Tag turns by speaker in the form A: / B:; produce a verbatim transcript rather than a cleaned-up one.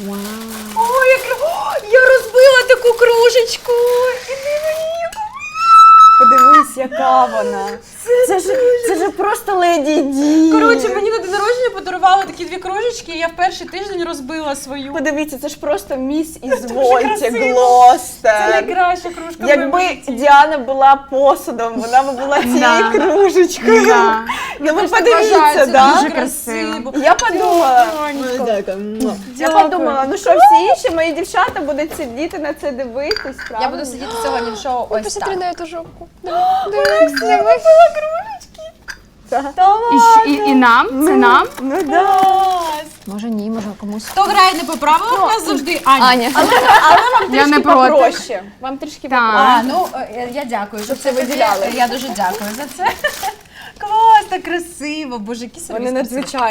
A: Вау.
B: Ой, я, О, я розбила таку кружечку. Іди мені, яку.
A: Подивись, яка вона. Це, це, ж, це ж просто Леді Ді.
B: Коротше, мені на день народження подарували такі дві кружечки, і я в перший тиждень розбила свою.
A: Подивіться, це ж просто міс із
B: дуже
A: Вольті
B: красиво.
A: Глостер.
B: Це найкраща кружка. в
A: Якби
B: моєму житті.
A: Діана була посудом, вона б була цією
C: Да.
A: кружечкою.
C: Да.
A: Ну ви
B: Вважаю,
A: подивіться,
B: це
A: да?
B: дуже
C: красиво.
A: Я подумала,
B: Дякую.
A: Дякую. Я
B: Дякую.
A: подумала, ну що всі інші мої дівчата будуть сидіти на це дивитись,
B: Я
A: правильно?
B: буду сидіти сьогодні в шоу ось
C: Посмотри
B: так.
C: на эту жопку.
A: Так.
C: І, і, і нам? Це нам?
A: Ну да.
B: Клас.
C: Може ні, може комусь.
B: Хто грає не по правилах, у нас завжди Аня.
C: Аня.
A: Але, але вам
C: Я
A: трішки
C: не проти.
A: попроще. Вам трішки
C: Так.
A: попроще.
B: А, ну е, я дякую, що
A: це
B: це
A: виділяли.
B: Я дуже дякую за це. Клас, так красиво. Боже, які собі
A: Вони надзвичайні.